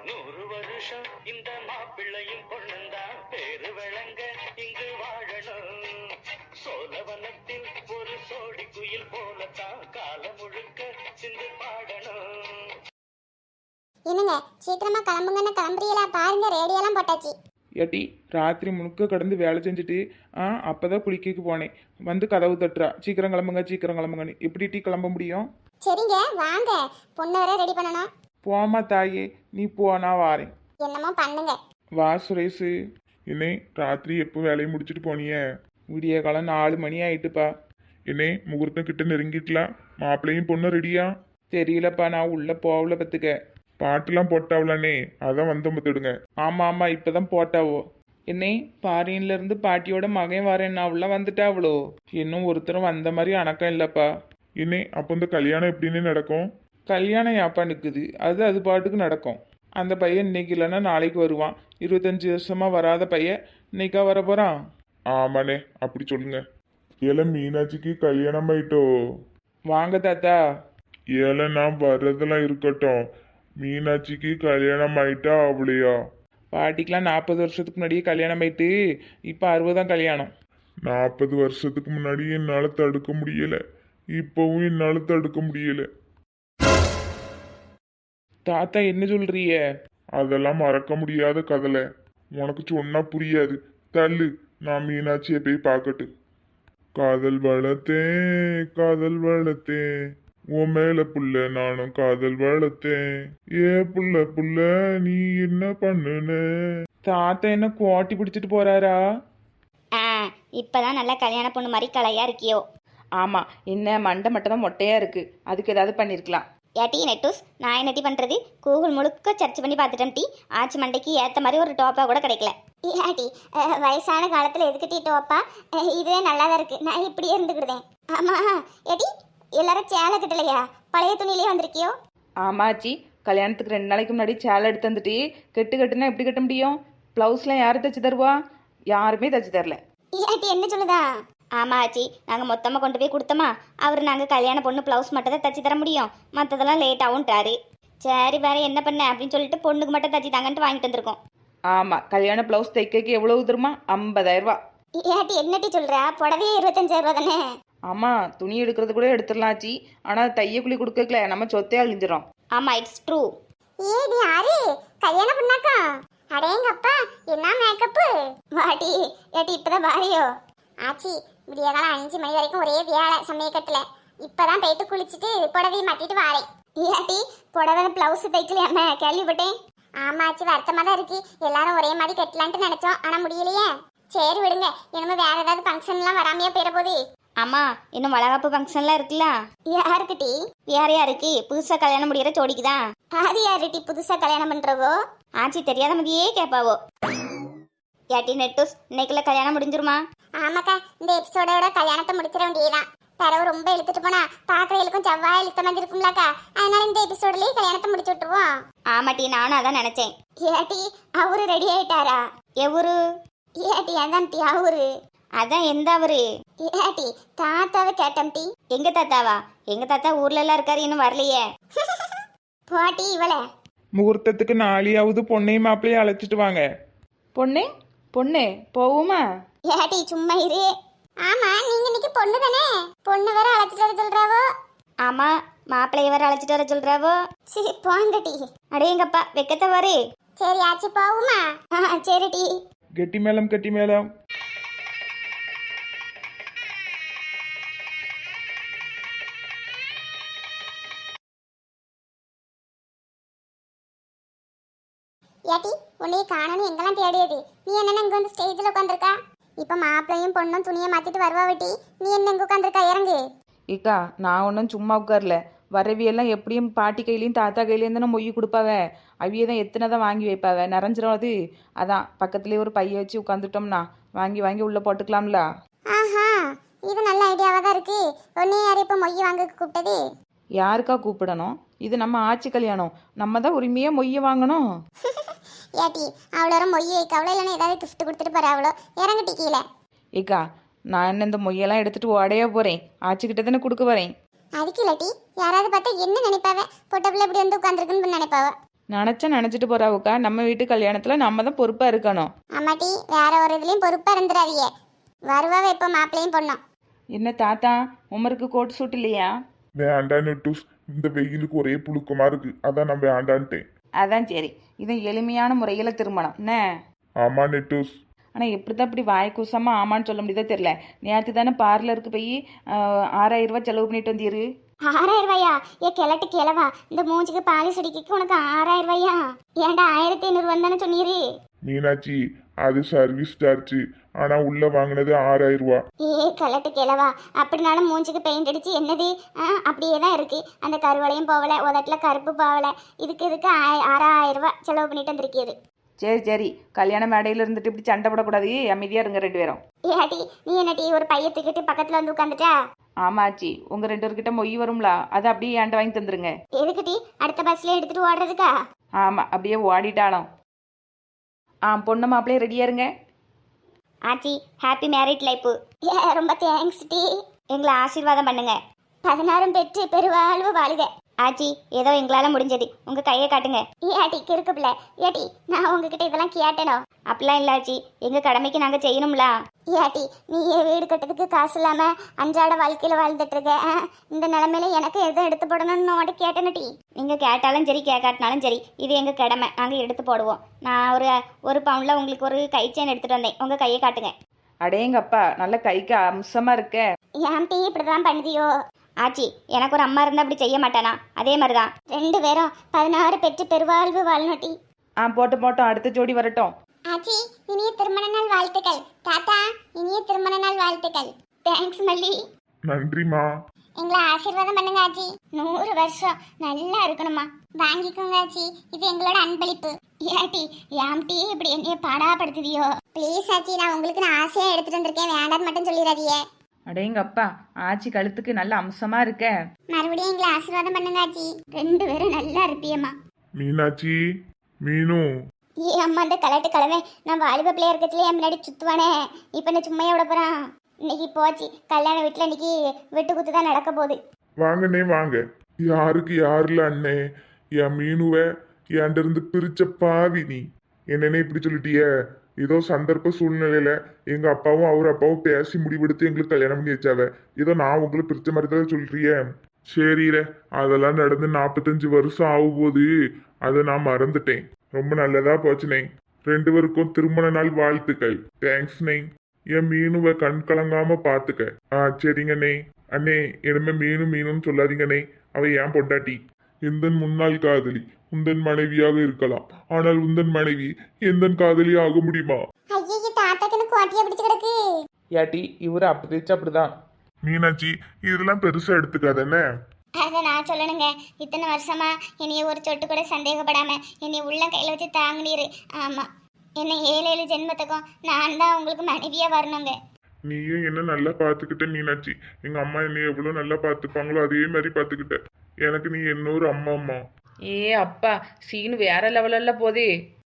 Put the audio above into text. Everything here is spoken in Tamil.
100 வருஷம் இந்த மாப்பிள்ளையும் பொண்ணுந்தான் பேரு விளங்க இங்கு வாழணும். சோழவனத்தில் ஒரு சோடி குயில் போலத்தான் காலம் முழுக்க சிந்து பாடணும். என்னங்க சீக்கிரமா கிளம்புங்கன்னு கிளம்புறீங்களா? பாருங்க ரேடியோலாம் போட்டாச்சு. ஏட்டி ராத்திரி முழுக்க கடந்து வேலை செஞ்சுட்டு அப்பதான் குளிக்க போனேன். வந்து கதவு தட்டுறா, சீக்கிரம் கிளம்புங்க சீக்கிரம் கிளம்புங்கன்னு. எப்படி டீ கிளம்ப முடியும்? சரிங்க வாங்க, பொண்ணு வர ரெடி பண்ணணும். போமா தாயே, நீ போ, நான் வாரேன். என்னமோ பண்ணுங்க. வா சுரேஷு. என்னே ராத்திரி எப்போ வேலையை முடிச்சுட்டு போனிய? விடிய காலம் 4 மணி ஆயிட்டுப்பா. என்னே முகூர்த்தம் கிட்ட நெருங்கிட்டலாம். மாப்பிள்ளையும் பொண்ணு ரெடியா? தெரியலப்பா, நான் உள்ள போகல பத்துக்க. பாட்டுலாம் போட்டாவலானே, அதான் வந்து முத்துடுங்க. ஆமா ஆமா, இப்பதான் போட்டாவோ. என்னை பாரின்ல இருந்து பாட்டியோட மகன் வரேன் உள்ள வந்துட்டாவளோ. இன்னும் ஒருத்தரும் வந்த மாதிரி அணக்கம் இல்லப்பா. என்னே அப்போ இந்த கல்யாணம் எப்படின்னு நடக்கும்? கல்யாணம் யாப்பா நிற்குது, அது பாட்டுக்கு நடக்கும். அந்த பையன் இன்னைக்கு இல்லைன்னா நாளைக்கு வருவான். 25 வருஷமா வராத பையன் இன்னைக்கா வர போறான். ஆமாண்ணே, அப்படி சொல்லுங்க. ஏல மீனாட்சிக்கு கல்யாணம் ஆயிட்டோ? வாங்க தாத்தா. ஏல நான் வர்றதெல்லாம் இருக்கட்டும், மீனாட்சிக்கு கல்யாணம் ஆயிட்டா அவளையா? பாட்டிக்கெலாம் 40 வருஷத்துக்கு முன்னாடியே கல்யாணம் ஆயிட்டு இப்போ 60 கல்யாணம். 40 வருஷத்துக்கு முன்னாடி என்னால தடுக்க முடியல, இப்பவும் என்னால தடுக்க முடியல. தாத்தா என்ன சொல்றிய? அதெல்லாம் மறக்க முடியாத கதலை, உனக்கு சொன்னா புரியாது. தள்ளு, நான் மீனாட்சியை போய் பார்க்கட்டு. காதல் வளர்த்தேன் காதல் வளர்த்தேன், உன் மேல புள்ள நானும் காதல் வளர்த்தேன். ஏ புள்ள புள்ள நீ என்ன பண்ணுன? தாத்தா என்ன கோட்டி பிடிச்சிட்டு போறாரா? இப்பதான் நல்ல கல்யாண பொண்ணு மாதிரி கலையா இருக்கியோ. ஆமாம், என்ன மண்டை மட்டும் தான் மொட்டையாக இருக்குது, அதுக்கு ஏதாவது பண்ணியிருக்கலாம். ஏட்டி நெட்டூஸ், நான் என்ன டீ பண்ணுறது? கூகுள் முழுக்க சர்ச் பண்ணி பார்த்துட்டேன் டீ. ஆச்சி மண்டைக்கு ஏற்ற மாதிரி ஒரு டோப்பா கூட கிடைக்கல. ஏட்டி வயசான காலத்தில் எதுக்கு டீ டோப்பா? இதுவே நல்லா தான் இருக்குது, நான் இப்படியே இருந்துக்கிடுதேன். ஆமாம் ஏட்டி, எல்லாரும் சேலை கட்டலையா? பழைய துணியிலே வந்திருக்கியோ? ஆமாச்சி, கல்யாணத்துக்கு 2 நாளைக்கு முன்னாடி சேலை எடுத்து வந்துட்டு கட்டுனா எப்படி கட்ட முடியும்? ப்ளவுஸ்லாம் யார் தைச்சி தருவா? யாருமே தைச்சி தரல. ஏட்டி என்ன சொல்லுதா? ஆமா ஆச்சி, நாங்கள் மொத்தமாக கொண்டு போய் கொடுத்தோமா, அவர் நாங்கள் கல்யாண பொண்ணு ப்ளவுஸ் மட்டும் தான் தைச்சி தர முடியும், மற்றதெல்லாம் லேட்டாகும்ட்டாரு. சரி வேற என்ன பண்ண அப்படின்னு சொல்லிட்டு பொண்ணுக்கு மட்டும் தைச்சி தாங்கன்ட்டு வாங்கிட்டு வந்திருக்கோம். ஆமாம், கல்யாண ப்ளவுஸ் தைக்க எவ்வளவு தருமா? 50,000 ரூபா. ஏட்டி என்னட்டி சொல்கிறா? புடவையே 25,000 ரூபா தானே? ஆமாம், துணி எடுக்கிறது கூட எடுத்துடலாச்சி, ஆனால் தையக்குழி கொடுக்கல, நம்ம சொத்தே அழிஞ்சிடும். ஆமாம் இட்ஸ் ட்ரூ. ஏடி யாரு கல்யாண பொண்ணாக்கா? அடேங்கப்பா என்ன மேக்கப்பு! வாடி ஏட்டி இப்பதான் வாரியோ? ஆச்சி விடிய காலம் 5 மணி வரைக்கும் ஒரே வேலை சமயக்கட்டுல. இப்பதான் போயிட்டு குளிச்சுட்டு புடவையை மாட்டிட்டு வாரேன். ஏட்டி புடவை பிளவுஸ் தைக்கலையாம கேள்விப்பட்டேன். ஆமா ஆச்சி, வருத்தமா தான் இருக்கு. எல்லாரும் ஒரே மாதிரி கட்டலான்ட்டு நினைச்சோம், ஆனா முடியலையே. சரி விடுங்க, இனிமே வேற ஏதாவது ஃபங்க்ஷன்லாம் வராமையா போயிட போகுது. ஆமா, இன்னும் வளகாப்பு ஃபங்க்ஷன்லாம் இருக்குல்ல. யாருக்கு டீ? வேற யாருக்கு? புதுசா கல்யாணம் முடிகிற ஜோடிக்குதான். அது யாரு டீ புதுசா கல்யாணம் பண்றவோ? ஆச்சி தெரியாத மாதிரியே கேட்பாவோ. ஏட்டி நெட்டூஸ், இன்னைக்குள்ள கல்யாணம் முடிஞ்சிருமா? ஆமாக்கா, இந்த எபிசோடோட கல்யாணத்தை முடிச்சிட வேண்டியதுதான். தரவு ரொம்ப இழுத்துட்டு போனா பாக்குறவங்களுக்கும் செவ்வாய் இழுத்த மாதிரி இருக்கும்லக்கா, அதனால இந்த எபிசோட்லயே கல்யாணத்தை முடிச்சு விட்டுருவோம். ஆமாட்டி, நானும் அதான் நினைச்சேன். ஏட்டி அவரு ரெடி ஆயிட்டாரா? எவரு? ஏட்டி அதான் டீ அவரு. அதான் எந்த அவரு? ஏட்டி தாத்தாவை கேட்டம் டீ. எங்க தாத்தாவா? எங்க தாத்தா ஊர்ல எல்லாம் இருக்காரு, இன்னும் வரலையே. போட்டி இவளே. முகூர்த்தத்துக்கு நாளையாவது பொண்ணையும் மாப்பிள்ளையும் அழைச்சிட்டு வாங்க. பொண்ணே பொண்ணே போவோமா? ஏட்டி சும்மா இரு. ஆமா, நீங்க இன்னைக்கு பொண்ணு தானே? பொண்ணு வேற அழைச்சிட்டு வர சொல்றாவோ? ஆமா, மாப்பிள்ளைய வேற அழைச்சிட்டு வர சொல்றாவோ. சரி போங்க டீ. அடேங்கப்பா வெக்கத்தை வரு. சரி ஆச்சி போவுமா? சரி டீ. கெட்டி மேளம் கெட்டி மேளம். ஏட்டி உன்னைய காணணும் எங்கெல்லாம் தேடியது. நீ என்ன இங்க வந்து ஸ்டேஜ்ல உட்காந்துருக்கா? இப்ப மாப்பிள்ளையும் பொண்ணும் துணியை மாத்திட்டு வருவா வெட்டி, நீ என்ன இங்க உட்காந்துருக்கா? இறங்கு. இக்கா, நான் ஒன்றும் சும்மா உட்காரல. வரவியெல்லாம் எப்படியும் பாட்டி கையிலையும் தாத்தா கையிலையும் தானே மொய் கொடுப்பாவ. அவிய தான் எத்தனை தான் வாங்கி வைப்பாவ, நிறைஞ்சிரும் அது. அதான் பக்கத்துலேயே ஒரு பைய வச்சு உட்காந்துட்டோம்னா வாங்கி வாங்கி உள்ளே போட்டுக்கலாம்ல. ஆஹா, இது நல்ல ஐடியாவா தான் இருக்கு. உன்னை யார் இப்ப மொய் வாங்க கூப்பிட்டது? யாருக்கா கூப்பிடணும்? இது நம்ம ஆட்சி கல்யாணம், நம்ம தான் உரிமையாக மொய்யை வாங்கணும். ஏட்டி அவ்வளோ மொய் வைக்க அவ்வளோ இல்லைன்னா ஏதாவது கிஃப்ட் கொடுத்துட்டு போற அவ்வளோ. இறங்கட்டி கீழே. ஏக்கா, நான் என்ன இந்த மொய்யெல்லாம் எடுத்துட்டு ஓடையா போகிறேன், ஆச்சிக்கிட்ட தானே கொடுக்க வரேன். அதுக்கு இல்லாட்டி யாராவது பார்த்தா என்ன நினைப்பாவ? பொட்ட பிள்ளை இப்படி வந்து உட்காந்துருக்குன்னு நினைப்பாவ. நினச்சிட்டு போறாவுக்கா. நம்ம வீட்டு கல்யாணத்தில் நம்ம தான் பொறுப்பாக இருக்கணும். ஆமாட்டி, வேற ஒரு இதுலயும் பொறுப்பா இருந்துடாதீங்க. வருவாவே இப்போ மாப்பிள்ளையும் பொண்ணும். என்ன தாத்தா, உமருக்கு கோட் சூட் இல்லையா? வேண்டாம் நெட்டூஸ், இந்த வெயிலுக்கு ஒரே புழுக்கமா இருக்கு, அதான் நான் வேண்டான்ட்டேன். அதான் சரி. இது எளிமையான முறையில் திருமணம் என்ன? ஆமா நெட்டூஸ். ஆனால் எப்படி தான் இப்படி வாய் கூசாமல் ஆமான்னு சொல்ல முடியுதோ தெரில. நேற்று தானே பார்லருக்கு போய் 6000 ரூபாய் செலவு பண்ணிட்டு வந்தீரு. 6000 ரூபாயா? கிழட்டு கிழவா, இந்த மூஞ்சிக்கு பாலிஷ் அடிக்க உனக்கு 6000 ரூபாயா? ஏன்டா 1500 வந்தானே சொன்னீரு? மீனாட்சி, அது சர்வீஸ் சார்ஜ், ஆனா உள்ள வாங்கினது 6000 ரூபா. கிழட்டு கிழவா, அப்படினாலும் மூஞ்சிக்கு பெயிண்ட் அடிச்சு என்னது? அப்படியே தான் இருக்கு. அந்த கருவளையும் போகல, உதட்டுல கருப்பு போகல. இதுக்கு 6000 ரூபாய் செலவு பண்ணிட்டு வந்திருக்கீரு. சரி, கல்யாண மேடையில் இருந்துட்டு இப்படி சண்டை போடக்கூடாது. அமைதியாக இருங்க 2 பேரும். ஏடி, நீ என்னடி ஒரு பைய தூக்கிட்டு பக்கத்துல வந்து உட்காந்துட்டா? ஆமாச்சி, உங்கள் 2 பேர்கிட்ட மொய் வரும்ல, அதை அப்படியே ஏன்ட்ட வாங்கி தந்துருங்க. எதுக்குடி? அடுத்த பஸ்ல எடுத்துட்டு ஓடுறதுக்கா? ஆமாம், அப்படியே ஓடிட்டாலும். பொண்ணு மாப்பிள்ளையே ரெடியாக இருங்க. ஆச்சி, ஹாப்பி மேரிட் லைஃப். ரொம்ப தேங்க்ஸ் டி. எங்களை ஆசீர்வாதம் பண்ணுங்க. 16 பெற்று பெருவாழ்வு வாழுக. ஆச்சி, ஏதோ எங்களால முடிஞ்சது. உங்க கையை காட்டுங்க. ஏடி கிறுக்கு பிள்ளை, ஏடி நான் உங்ககிட்ட இதெல்லாம் கேட்டேனோ? அப்படிலாம் இல்ல ஆச்சி, எங்க கடமைக்கு நாங்க செய்யணும்ல. ஏடி, நீ வீடு கட்டுறதுக்கு காசு இல்லாம அன்றாட வாழ்க்கையில வாழ்ந்துட்டு இருக்க. இந்த நிலைமையில எனக்கு எதுவும் எடுத்து போடணும்னு உன்கிட்ட கேட்டேனடி. நீங்க கேட்டாலும் சரி கேட்காட்டினாலும் சரி, இது எங்க கடமை, நாங்க எடுத்து போடுவோம். நான் ஒரு பவுன்ல உங்களுக்கு ஒரு கை செயின் எடுத்துட்டு வந்தேன். உங்க கையை காட்டுங்க. அடேங்கப்பா, நல்ல கைக்கு அம்சமாக இருக்க. ஏன் டீ இப்படிதான் பண்ணுதியோ? ஆச்சி, எனக்கு ஒரு அம்மா இருந்தா அப்படி செய்ய மாட்டானா? அதே மாதிரிதான் 2 பேரும் 16 பெற்று பெருவாழ்வு வாழணும் டி. போட்டோம், அடுத்த ஜோடி வரட்டும். ஆச்சி, இனிய திருமண நாள் வாழ்த்துக்கள். தாத்தா, இனிய திருமண நாள் வாழ்த்துக்கள். தேங்க்ஸ் மல்லி. நன்றிமா. எங்களை ஆசீர்வாதம் பண்ணுங்க ஆச்சி. 100 வருஷம் நல்லா இருக்கணுமா. வாங்கிக்கோங்க ஆச்சி, இது எங்களோட அன்பளிப்பு. ஏட்டி, ஏம்டி இப்படி என்னைய பாடாப்படுத்துதியோ? ப்ளீஸ் ஆச்சி, நான் உங்களுக்கு ஆசையா எடுத்துட்டு வந்திருக்கேன், வேண்டான்னு மட்டும் சொல்லிடாதீங்க. அடேங்கப்பா, ஆச்சி கழுத்துக்கு நல்ல அம்சமா இருக்க. மறுபடியும் எங்களை ஆசீர்வாதம் பண்ணுங்க ஆச்சி. 2 பேரும் நல்லா இருப்பியம்மா. மீனாட்சி, மீனு. அம்மா, அந்த கலட்டு கலவை நான் வாலிப பிள்ளையா இருக்கச்சுல என் முன்னாடி சுத்துவானே, இப்போ நான் சும்மையா விட போறான். இன்னைக்கு போச்சு, கல்யாண வீட்டில் இன்னைக்கு வெட்டு குத்து தான் நடக்க போகுது. வாங்கண்ணே வாங்க. யாருக்கு யாருல அண்ணே? என் மீனுவை என்கிட்ட இருந்து பிரிச்ச பாவி நீ. என்னன்னே இப்படி சொல்லிட்டிய? ஏதோ சந்தர்ப்ப சூழ்நிலையில எங்க அப்பாவும் அவர் அப்பாவும் பேசி முடிவெடுத்து எங்களுக்கு கல்யாணம் பண்ணி வச்சாவ. ஏதோ நான் உங்களை பிரிச்ச மாதிரி தான் சொல்றிய. சரில, அதெல்லாம் நடந்து 45 வருஷம் ஆகும் போது அதை நான் மறந்துட்டேன். ரொம்ப நல்லதா போச்சுனே. 2 பேருக்கும் திருமண நாள் வாழ்த்துக்கள். தேங்க்ஸ் நே. என் மீனுவை கண் கலங்காம பாத்துக்க. சரிங்கண்ணே. அண்ணே, இனிமே மீனுன்னு சொல்லாதீங்கண்ணே, அவ ஏன் பொண்டாட்டி. எந்தன் முன்னாள் காதலி உந்தன் மனைவியாக இருக்கலாம், ஆனால் உந்தன் மனைவி எந்தன் காதலி ஆக முடியுமா? ஐயே, தாத்தாக்கு எனக்கு கோட்டையா பிடிச்சு கிடக்கு. ஏட்டி, இவரு அப்படி பேச்சு அப்படிதான். மீனாட்சி, இதெல்லாம் பெருசா எடுத்துக்காதண்ணே. அதை நான் சொல்லணுங்க. இத்தனை வருஷமா என்னைய ஒரு சொட்டு கூட சந்தேகப்படாம என்னை உள்ள கையில வச்சு தாங்கினீரு. ஆமா, என்னை 7 ஜென்மத்துக்கும் நான் தான் உங்களுக்கு மனைவியா வரணுங்க. நீயும் என்ன நல்லா பாத்துக்கிட்ட மீனாட்சி. எங்க அம்மா என்னை எவ்வளவு நல்லா பாத்துப்பாங்களோ அதே மாதிரி பாத்துக்கிட்ட. எனக்கு நீ இன்னொரு அம்மா. ஏ அப்பா, சீனு வேற லெவலில் போதே.